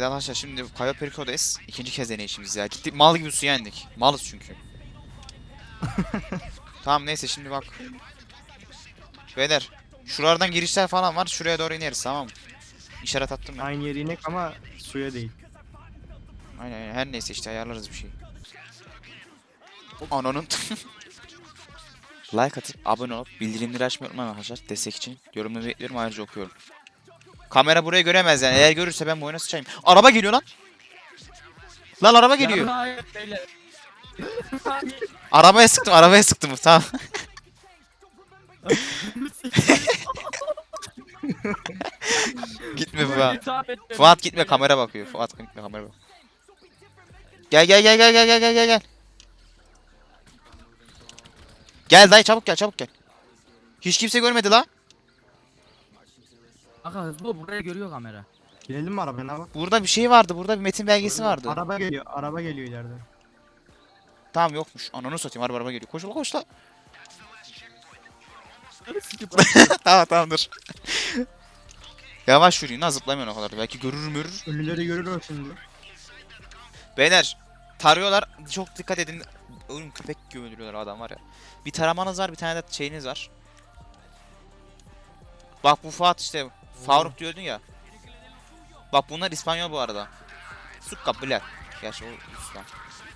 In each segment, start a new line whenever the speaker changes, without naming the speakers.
Evet arkadaşlar şimdi Cayo Perico'dayız. İkinci kez deneyişimiz ya. Gittik mal gibi suya indik. Malız çünkü. Tamam neyse şimdi bak. Beyler. Şuralardan girişler falan var. Şuraya doğru ineriz tamam mı? İşaret attım ya.
Aynı yere inek ama suya değil.
Aynen her neyse işte ayarlarız bir şey. Ananın. Like atıp abone olup bildirimleri açmayı unutmayın arkadaşlar. Destek için yorumları bekliyorum ayrıca okuyorum. Kamera burayı göremez yani. Eğer görürse ben bu oyuna sıçayım. Araba geliyor lan. Lan araba geliyor. Arabaya sıktım tamam. Gitme Fuat. Fuat gitme kamera bakıyor. Fuat gitme kamera bak. Gel. Gel dayı çabuk gel. Hiç kimse görmedi la.
Aga hızlı ol, buraya görüyor kamera.
Binelim mi arabaya bak?
Burada bir şey vardı. Burada bir metin belgesi vardı.
Araba geliyor ileride.
Tamam yokmuş. Ananı satayım araba geliyor. Koş la. Tamam dur. Yavaş yürüyün ha zıplamıyorsun o kadar. Belki görür.
Ölüleri görür o şimdi.
Beyler tarıyorlar. Çok dikkat edin. Oğlum köpek gibi öldürüyorlar adam var ya. Bir taramanız var bir tane de şeyiniz var. Bak bu Fuat işte. Faruk diyordun ya. Bak bunlar İspanyol bu arada. Sukka bile. Gerçi o Ruslan.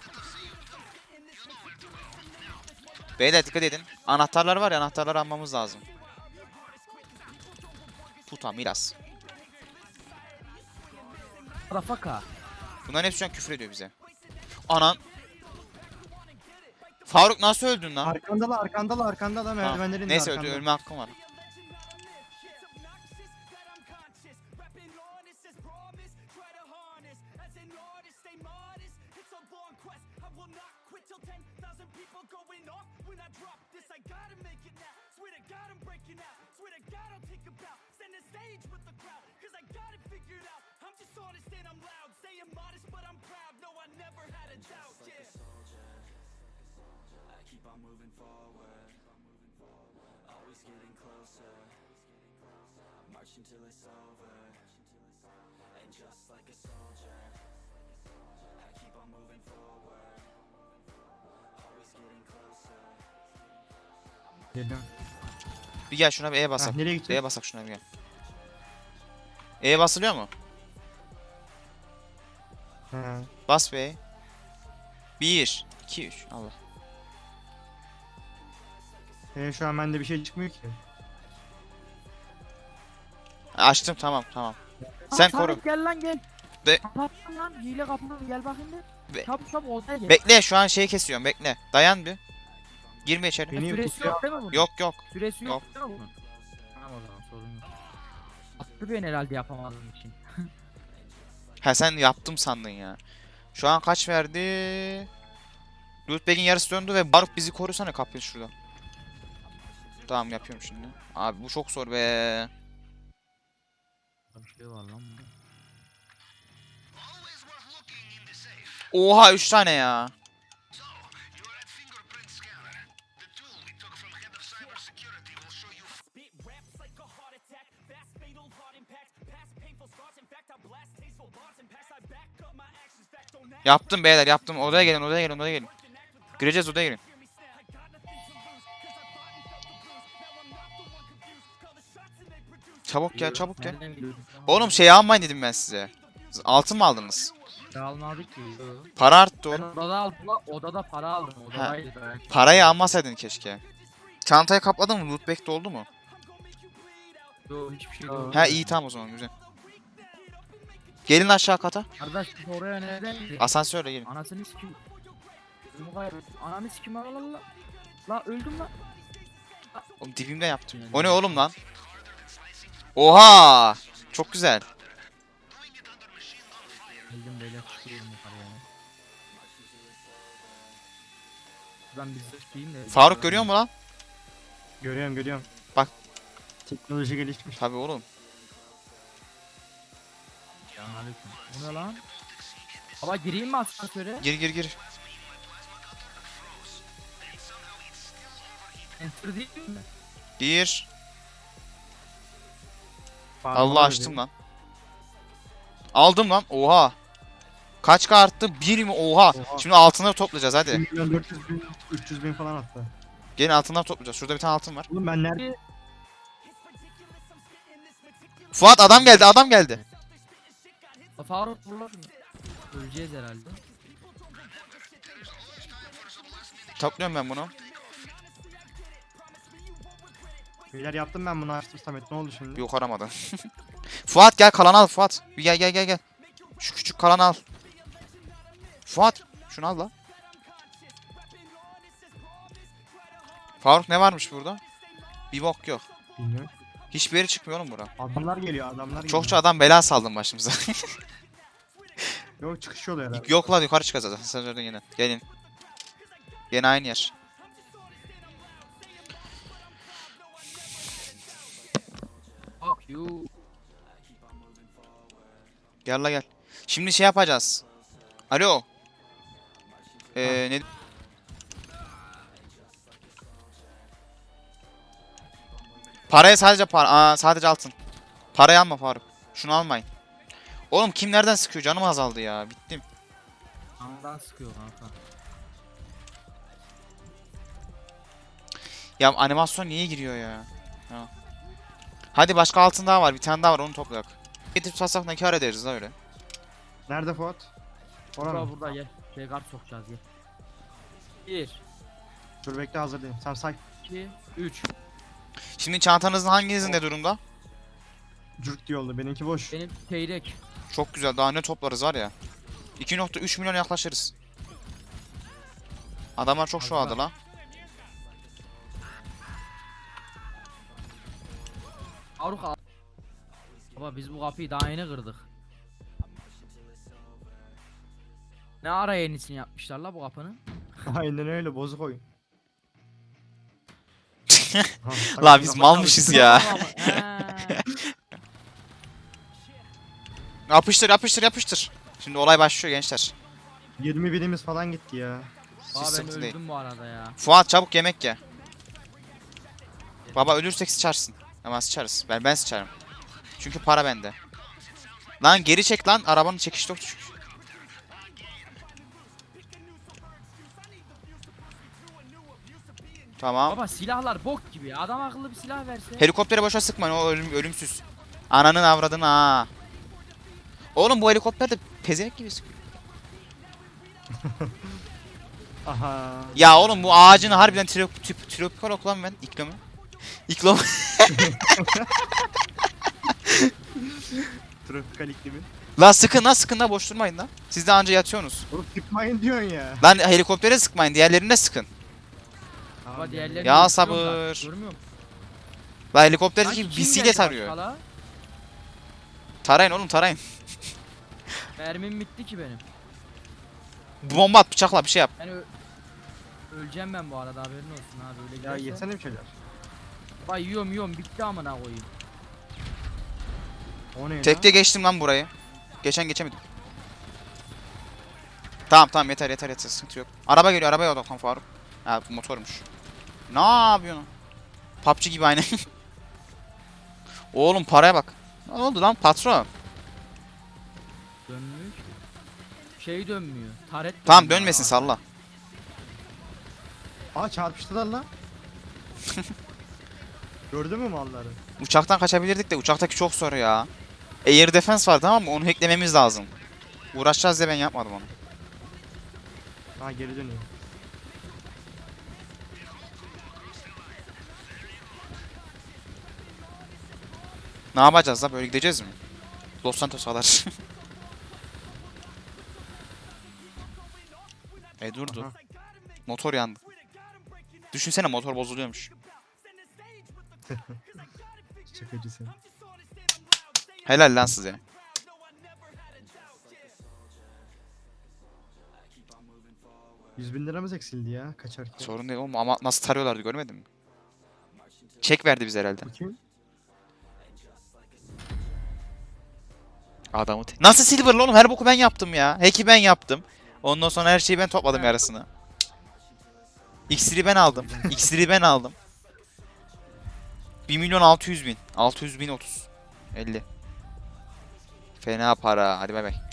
Beyler dikkat edin. Anahtarlar var ya anahtarları almamız lazım. Puta miras.
Rafaka.
Bunların hepsi şu an küfür ediyor bize. Anan. Faruk nasıl öldün lan?
Arkanda merdivenlerin
Neyse
arkanda.
ölme hakkım var.
Moving forward, always getting closer, marching till it's over, and just like a soldier, I keep on moving forward, always getting closer.
Geliyorum.
Bir gel şuna bir E basak.
Nereye gideceğiz?
E basak şuna bir gel. E basılıyor mu?
He.
Bas be. 1, 2, 3. Allah.
Şu an bende bir şey çıkmıyor ki.
Açtım tamam. Sen koru.
Samet gel lan gel.
De-
Kapattım lan hile kapını gel bakayım
Be-
bir. Çabuk odaya gel.
Bekle şu an şeyi kesiyorum bekle. Dayan bir. Girme içeri.
Beni
Süresi
pusuya
yok değil mi bunun?
Yok.
Süresi yok
Yok.
değil mi bunun? Tamam o zaman sorun yok. Attı beni herhalde yapamadığım için.
Ha sen yaptım sandın ya. Şu an kaç verdi? Lootbag'in yarısı döndü ve Baruk bizi korusana kapıyı şurada. Tamam yapıyorum şimdi. Abi bu çok zor be.
Bir şey var lan burada.
Oha 3 tane ya. Yaptım beyler yaptım. Odaya gelin. Gireceğiz odaya gelin. Çabuk gel.
Nereden geliyorsun?
Oğlum şey almayın dedim ben size. Altın mı aldınız?
Almadık ki.
Para arttı
Ben
oğlum.
odada aldım lan. Odada para aldım. Odadaydı belki.
Parayı almasaydın keşke. Çantayı kapladın mı? Lootbag doldu mu?
Yok hiçbir şey yok.
Ha iyi tamam o zaman güzel. Gelin aşağı kata.
Kardeş biz oraya nereden gidiyoruz?
Asansörle gelin.
Anasını sikim. Gözümü kaybettim. Ananı sikim la. La öldüm la.
Oğlum dibimde yaptım. O ne oğlum lan? Oha! Çok güzel.
Öldüm böyle çıkıyorum yukarıya. Ben bir zırhlayayım da.
Faruk görüyor mu lan?
Görüyorum.
Bak.
Teknoloji gelişmiş.
Tabii oğlum.
Selamünaleyküm. Bu ne lan? Baba gireyim mi asansöre?
Gir.
Enter değil mi?
Gir.
Parmağı
Allah
öyle.
açtım lan. Aldım lan. Oha. Kaç arttı? 1 mi? Oha.
Oha.
Şimdi altınları toplayacağız
1
hadi.
milyon 400 bin, 300 bin falan hatta.
Gelin altınları toplayacağız. Şurada bir tane altın var.
Oğlum ben nerede?
Fuat adam geldi adam geldi.
Faruk vur lan şunu. Öleceğiz herhalde.
Topluyorum ben bunu.
Beyler yaptım ben bunu açtım Samet, ne oldu şimdi?
Yok aramadı. Fuat gel kalan al Fuat. Bir gel. Şu küçük kalan al. Fuat şunu al la. Faruk ne varmış burada? Bir bok yok.
Bilmiyorum.
Hiçbir yere çıkmıyor oğlum bura.
Adamlar geliyor, adamlar geliyor.
Çokça adam bela saldım başımıza.
Yok, çıkış yolu herhalde.
Yok lan yukarı çıkacağız zaten. Sen oradan yine. Gelin. Yine aynı yer.
Fuck you.
Gel la gel. Şimdi şey yapacağız. Alo. Ne? Paraya sadece sadece altın. Parayı alma Faruk. Şunu almayın. Oğlum kim nereden sıkıyor? Canım azaldı ya. Bittim.
Andan sıkıyor kanka.
Ya animasyon niye giriyor ya? Ha. Hadi başka altın daha var. Bir tane daha var onu toplayak. Getirip satsak ne kar ederiz la öyle.
Nerede Fuat? Orada
Burada
mı?
burada gel. Şey kart sokacağız gel. 1,
Dur bekle, hazırlayayım. Sen say.
2, 3.
Şimdi çantanızın hanginizin ne durumda?
Cürt diye oldu. Benimki boş.
Benim çeyrek.
Çok güzel. Daha ne toplarız var ya. 2.3 milyon yaklaşırız. Adamlar çok şu aldı la.
Faruk al. Baba biz bu kapıyı daha yeni kırdık. Ne ara yenisini yapmışlar la bu kapının?
Aynen öyle, bozuk oyun. Ha,
La biz malmışız ya.
He.
Yapıştır. Şimdi olay başlıyor gençler.
20 binimiz falan gitti ya.
Hiç
Aa ben
sıkıntı değil.
öldüm bu arada ya.
Fuat çabuk yemek ye. Baba ölürsek sıçarsın. Ama sıçarız. Ben sıçarım. Çünkü para bende. Lan geri çek lan. Arabanın çekiş yok çünkü. Tamam.
Baba silahlar bok gibi ya. Adam akıllı bir silah verse.
Helikoptere boşa sıkmayın. O ölümsüz. Ananın avradını ha. Oğlum bu helikopter de pezevenk gibi sıkıyor.
Aha.
Ya oğlum bu ağacını harbiden tropikal okulan ben. İklimı. İklim.
Tropikal iklimi.
Lan sıkın la boş durmayın lan. Siz de anca yatıyorsunuz.
Oğlum sıkmayın diyorsun ya.
Lan helikoptere sıkmayın, diğerlerine sıkın.
Baba diğerlerini
Ya
öldürüyorum
sabır.
zaten, görmüyor musun?
Lan helikopter
Sanki
gibi
kim
bisiklet
geldi
arıyor.
başka la?
Tarayın oğlum tarayın.
Mermim bitti ki benim.
Bomba at bıçakla bir şey yap.
Ben öleceğim ben bu arada haberin olsun abi öyle
Ya
giderse.
yesene bir şeyler.
Bak yiyorum bitti amına koyayım.
O ne
Tekte geçtim lan burayı. Geçemedim. Tamam yeter sıkıntı yok. Araba geliyor arabaya odaklan Faruk. Ha bu motormuş. Ne yapıyorsun? PUBG gibi aynı. Oğlum paraya bak. Ne oldu lan patron?
Dönmüyor ki. Şey dönmüyor. Taret
Tamam
dönmüyor
dönmesin
abi.
salla.
Aa, çarpıştılar lan. Gördün mü malları?
Uçaktan kaçabilirdik de uçaktaki çok zor ya. Air defense var tamam mı? Onu hacklememiz lazım. Uğraşacağız diye ben yapmadım onu.
Ha, geri dönüyor.
Ne yapacağız da böyle gideceğiz mi? Los Santos kadar. Durdu.
Aha.
Motor yandı. Düşünsene motor bozuluyormuş.
Çakıcı sen.
Helal lan size.
$100.000 eksildi ya kaçarken.
Sorun değil oğlum ama nasıl tarıyorlardı görmedin mi? Çek verdi bize herhalde.
Bakayım.
Adamı nasıl silverlı oğlum her boku ben yaptım ya. Hack'i ben yaptım. Ondan sonra her şeyi ben topladım yarısını. İksiri ben aldım. İksiri ben aldım. 1.600.000. 600.030. 50. Fena para. Hadi bay bay.